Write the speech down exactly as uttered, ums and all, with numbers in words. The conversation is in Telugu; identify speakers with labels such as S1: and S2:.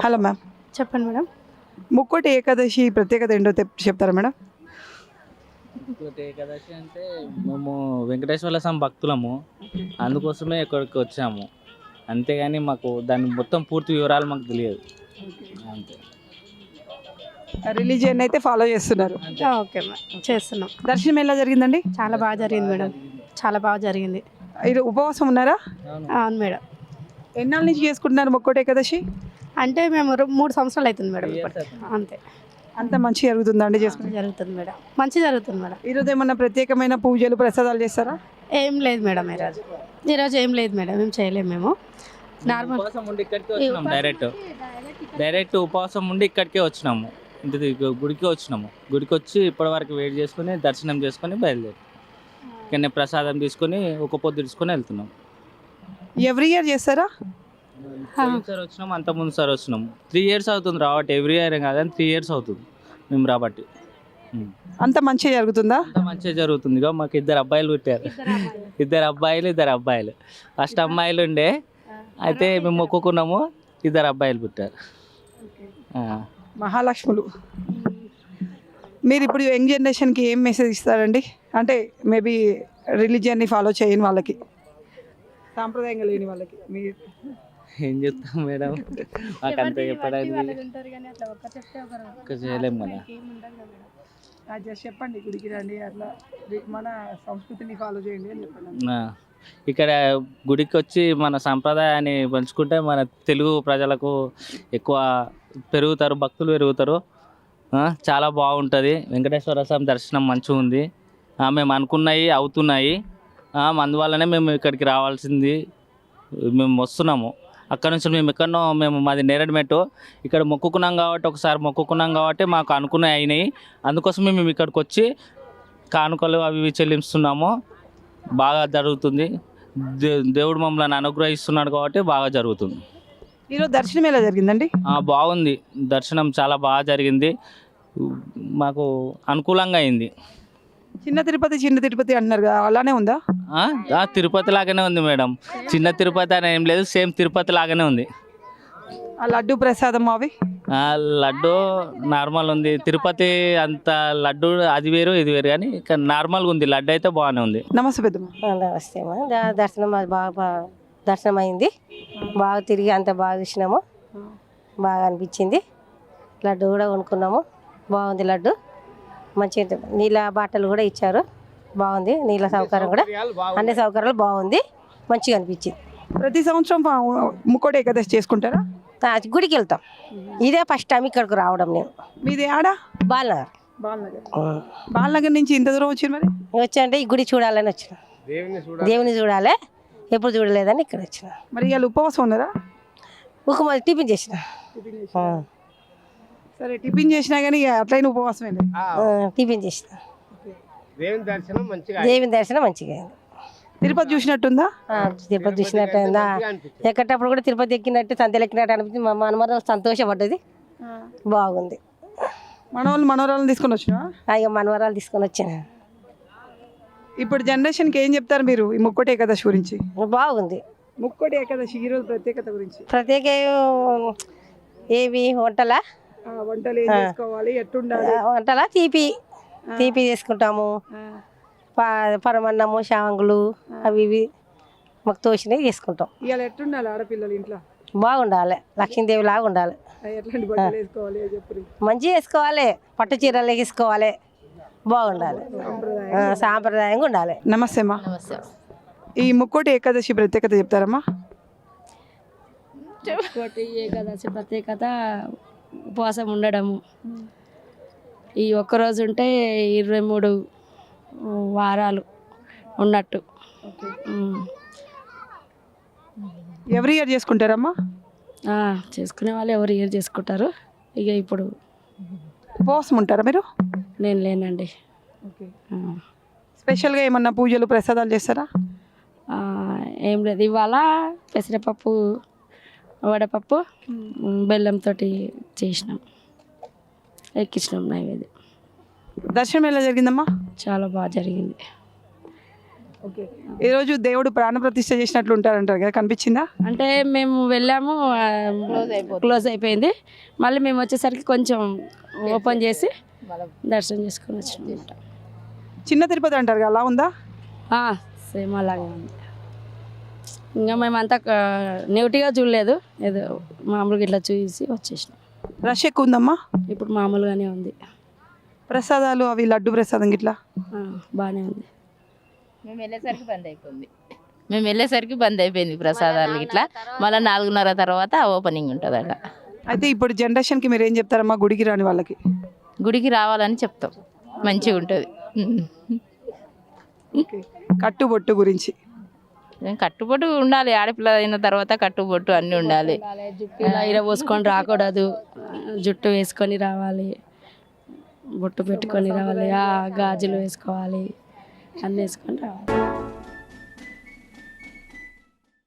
S1: హలో మ్యామ్,
S2: చెప్పండి మేడం.
S1: ముక్కోటి ఏకాదశి ప్రత్యేకత ఏంటో తెప్- చెప్తారా మేడం?
S3: ఇంకోటి ఏకాదశి అంటే మేము వెంకటేశ్వర స్వామి భక్తులము, అందుకోసమే ఇక్కడికి వచ్చాము. అంతేగాని మాకు దాని మొత్తం పూర్తి వివరాలు మాకు తెలియదు. అంతే.
S1: రిలీజియన్ అయితే ఫాలో చేస్తున్నారు.
S2: ఆ, ఓకే మేడం, చేస్తున్నాం.
S1: దర్శనం ఎలా జరిగిందండి?
S2: చాలా బాగా జరిగింది మేడం, చాలా బాగా జరిగింది.
S1: ఇది ఉపవాసం ఉన్నారా?
S2: అవును మేడం.
S1: ఎన్నాళ్ళ నుంచి చేసుకుంటున్నారు ముక్కోటి ఏకాదశి?
S2: అంటే మేము రు- మూడు సంవత్సరాలు అవుతుంది మేడం ఇప్పటికి. అంతే.
S1: అంత మంచి జరుగుతుందండి చేసుకుంటే?
S2: జరుగుతుంది మేడం, మంచి జరుగుతుంది మేడం.
S1: ఈరోజు ఏమన్నా ప్రత్యేకమైన పూజలు ప్రసాదాలు చేస్తారా?
S2: ఏం లేదు మేడం ఈరోజు. ఈరోజు ఏం లేదు మేడం, ఏం చేయలేము మేము. నార్మల్
S3: ఉపవాసం ఉండి ఇక్కడికే వచ్చినాము. డైరెక్ట్ డైరెక్ట్ ఉపవాసం ఉండి ఇక్కడికే వచ్చినాము. ఇంటి దగ్గర గుడికి వచ్చినాము. గుడికి వచ్చి ఇప్పటి వరకు వెయిట్ చేసుకుని దర్శనం చేసుకొని బయలుదేరి ఇక్కడనే ప్రసాదం తీసుకొని ఒక పొద్దు తీసుకొని వెళ్తున్నాం.
S1: ఎవ్రీ ఇయర్ చేస్తారా?
S3: సార్ వచ్చినాము, అంత ముందు సార్ వచ్చినాము. త్రీ ఇయర్స్ అవుతుంది రాబట్టి. ఎవ్రీ ఇయర్ కాదని త్రీ ఇయర్స్ అవుతుంది మేము రాబట్టి. ఉం.
S1: అంత మంచిగా జరుగుతుందా?
S3: అంత మంచిగా జరుగుతుంది. ఇక మాకు ఇద్దరు అబ్బాయిలు పుట్టారు. ఇద్దరు అబ్బాయిలు ఇద్దరు అబ్బాయిలు ఫస్ట్ అమ్మాయిలు ఉండే, అయితే మేము మొక్కుకున్నాము, ఇద్దరు అబ్బాయిలు పుట్టారు. ఆ.
S1: మహాలక్ష్ములు. మీరు ఇప్పుడు యంగ్ జనరేషన్కి ఏం మెసేజ్ ఇస్తారండి? అంటే మేబీ రిలీజియన్ని ఫాలో చేయని వాళ్ళకి, సాంప్రదాయంగా లేని వాళ్ళకి మీరు
S3: ఏం చెప్తాం మేడం, మాకు అంత చెప్పడానికి ఒక్క చేయలేము కదా.
S1: జస్ట్ చెప్పండి, గుడికి రండి, అట్లా మన సంస్కృతిని ఫాలో చేయండి అని చెప్పండి.
S3: ఆ. ఇక్కడ గుడికి వచ్చి మన సంప్రదాయాన్ని పంచుకుంటే మన తెలుగు ప్రజలకు ఎక్కువ పెరుగుతారు, భక్తులు పెరుగుతారు. ఆ, చాలా బాగుంటుంది. వెంకటేశ్వర స్వామి దర్శనం మంచిగా ఉంది. ఆ, మేము అనుకున్నవి అవుతున్నాయి. ఆ, అందువల్లనే మేము ఇక్కడికి రావాల్సింది, మేము వస్తున్నాము. అక్కడ నుంచి మేము ఎక్కడనో మేము మాది నేరడిమెట్టు, ఇక్కడ మొక్కుకున్నాం కాబట్టి ఒకసారి మొక్కుకున్నాం కాబట్టి మాకు అనుకున్నవి అయినాయి. అందుకోసం మేము ఇక్కడికి వచ్చి కానుకలు అవి ఇవి చెల్లిస్తున్నాము. బాగా జరుగుతుంది. దే దేవుడు మమ్మల్ని అనుగ్రహిస్తున్నాడు కాబట్టి బాగా జరుగుతుంది.
S1: ఈరోజు దర్శనం ఎలా జరిగిందండి?
S3: ఆ, బాగుంది. దర్శనం చాలా బాగా జరిగింది, మాకు అనుకూలంగా అయింది.
S1: చిన్న తిరుపతి చిన్న తిరుపతి అంటున్నారు కదా, అలానే ఉందా?
S3: ఆ, ఆ, తిరుపతి లాగానే ఉంది మేడం. చిన్న తిరుపతి అని ఏం లేదు, సేమ్ తిరుపతి లాగానే ఉంది.
S1: ఆ లడ్డు ప్రసాదం అవి
S3: ఆ, లడ్డు నార్మల్ ఉంది. తిరుపతి అంత లడ్డు అది వేరు ఇది వేరు, కానీ ఇక్కడ నార్మల్గా ఉంది. లడ్డు అయితే బాగానే ఉంది.
S1: నమస్తే పెద్దమ్మ.
S4: నమస్తే అమ్మా. ద- దర్శనం అది బాగా బా- దర్శనం అయింది. బాగా తిరిగి అంత బాగా చూసినాము, బాగా అనిపించింది. లడ్డు కూడా కొనుక్కున్నాము, బాగుంది లడ్డు. మంచిగా నీళ్ళ బాటలు కూడా ఇచ్చారు, బాగుంది. నీళ్ళ సౌకర్యం కూడా అన్ని సౌకర్యాలు బాగుంది, మంచిగా అనిపించింది.
S1: ప్రతి సంవత్సరం పా- ముక్కోటి ఏకాదశి చేసుకుంటారా?
S4: ఆ, గుడికి వెళ్తాం. ఇదే ఫస్ట్ టైం ఇక్కడికి రావడం నేను.
S1: మీది ఆడా?
S4: బాలనగర్
S1: బాలనగర్. బాలనగర్ నుంచి ఇంత దూరం వచ్చి మరి
S4: వచ్చానంటే ఈ గుడి చూడాలని వచ్చిన, దేవుని చూడాలి, ఎప్పుడు చూడలేదని ఇక్కడ వచ్చిన.
S1: మరి ఇవాళ ఉపవాసం ఉన్నారా?
S4: ఉక్కుమ టిఫిన్ చేసిన. ఆ,
S1: సరే, టిఫిన్ చేసినా కానీ ఇక అట్లయిన ఉపవాసమే.
S4: ఆ, టిఫిన్ చేసిన. దేవుని దర్శనం మంచిగా అయింది.
S1: తిరుపతి చూసినట్టుందా?
S4: ఆ, తిరుపతి చూసినట్టు అయిందా? ఎక్కటప్పుడు కూడా తిరుపతి ఎక్కినట్టు సంతలు ఎక్కినట్టు అనిపించింది. మా మనమరం సంతోషపడ్డది, బాగుంది.
S1: మనవాళ్ళు మనవరాలను తీసుకొని వచ్చినా?
S4: అయ్యో మనవరాలు తీసుకొని వచ్చాను.
S1: ఇప్పుడు జనరేషన్కి ఏం చెప్తారు మీరు ఈ ముక్కోటి ఏకాదశి గురించి?
S4: బాగుంది.
S1: ముక్కోటి ఏకాదశి ఈరోజు ప్రత్యేకత గురించి
S4: ప్రత్యేక ఏవి వంటలా
S1: ఆ, వంటలు ఏం చేసుకోవాలి, ఎట్టుండాలి?
S4: వంటలా తీపి తీపి చేసుకుంటాము. ప- పరమన్నము శావంగులు అవి ఇవి మాకు తోచినవి చేసుకుంటాం.
S1: ఇవాళ ఎట్టుండాలి ఆడపిల్లలు ఇంట్లో?
S4: బాగుండాలి, లక్ష్మీదేవి లాగా ఉండాలి.
S1: ఆ, ఎట్లాంటి బట్టలు వేసుకోవాలి అని చెప్పి
S4: మంచిగా వేసుకోవాలి, పట్టు చీరలు వేసుకోవాలి, బాగుండాలి, ఆ, సాంప్రదాయంగా ఉండాలి.
S1: నమస్తే అమ్మా. ఈ ముక్కోటి ఏకాదశి ప్రత్యేకత చెప్తారమ్మా?
S5: ఇంకోటి ఏకాదశి ప్రత్యేకత ఉపవాసం ఉండడము. ఈ ఒక్కరోజు ఉంటే ఇరవై మూడు వారాలు ఉన్నట్టు. ఉమ్.
S1: ఎవ్రీ ఇయర్ చేసుకుంటారమ్మా?
S5: ఆ, చేసుకునే వాళ్ళు ఎవరు ఇయర్ చేసుకుంటారు. ఇక ఇప్పుడు
S1: ఉపవాసం ఉంటారా మీరు?
S5: నేను లేనండి.
S1: ఓకే.
S5: ఆ.
S1: స్పెషల్గా ఏమన్నా పూజలు ప్రసాదాలు చేస్తారా?
S5: ఆ, ఏం లేదు, ఇవాళ పెసరపప్పు వడపప్పు బెల్లంతో చేసినాం, ఎక్కించినాం నైవేద్యం.
S1: దర్శనం ఎలా జరిగిందమ్మా?
S5: చాలా బాగా జరిగింది.
S1: ఓకే ఈరోజు దేవుడు ప్రాణప్రతిష్ఠ చేసినట్లు ఉంటారంటారు కదా, కనిపించిందా?
S5: అంటే మేము వెళ్ళాము క్లోజ్ అయిపోయింది. మళ్ళీ మేము వచ్చేసరికి కొంచెం ఓపెన్ చేసి దర్శనం చేసుకొని వచ్చినాం.
S1: చిన్న తిరుపతి అంటారు కదా, అలా ఉందా?
S5: సేమ్ అలాగే ఉంది. ఇంకా మేమంతా నెగిటివ్గా చూడలేదు, ఏదో మామూలుగా ఇట్లా చూసి వచ్చేసినాం.
S1: రష్ ఎక్కువ ఉందమ్మా?
S5: ఇప్పుడు మామూలుగానే ఉంది.
S1: ప్రసాదాలు అవి లడ్డు ప్రసాదం ఇట్లా
S5: బాగానే ఉంది.
S6: మేము వెళ్ళేసరికి బంద్ అయిపోయింది మేము వెళ్ళేసరికి బంద్ అయిపోయింది ప్రసాదాలు ఇట్లా. మళ్ళీ నాలుగున్నర తర్వాత ఓపెనింగ్ ఉంటుంది అక్కడ.
S1: అయితే ఇప్పుడు జనరేషన్కి మీరు ఏం చెప్తారమ్మా గుడికి రాని వాళ్ళకి?
S6: గుడికి రావాలని చెప్తాం, మంచిగా ఉంటుంది.
S1: కట్టుబొట్టు గురించి
S6: కట్టుబొట్టు ఉండాలి, ఆడపిల్ల అయిన తర్వాత కట్టుబొట్టు అన్నీ ఉండాలి.
S5: జుట్టు ఇలా ఇర పోసుకొని రాకూడదు, జుట్టు వేసుకొని రావాలి, బొట్టు పెట్టుకొని రావాలి, ఆ గాజులు వేసుకోవాలి, అన్నీ వేసుకొని రావాలి.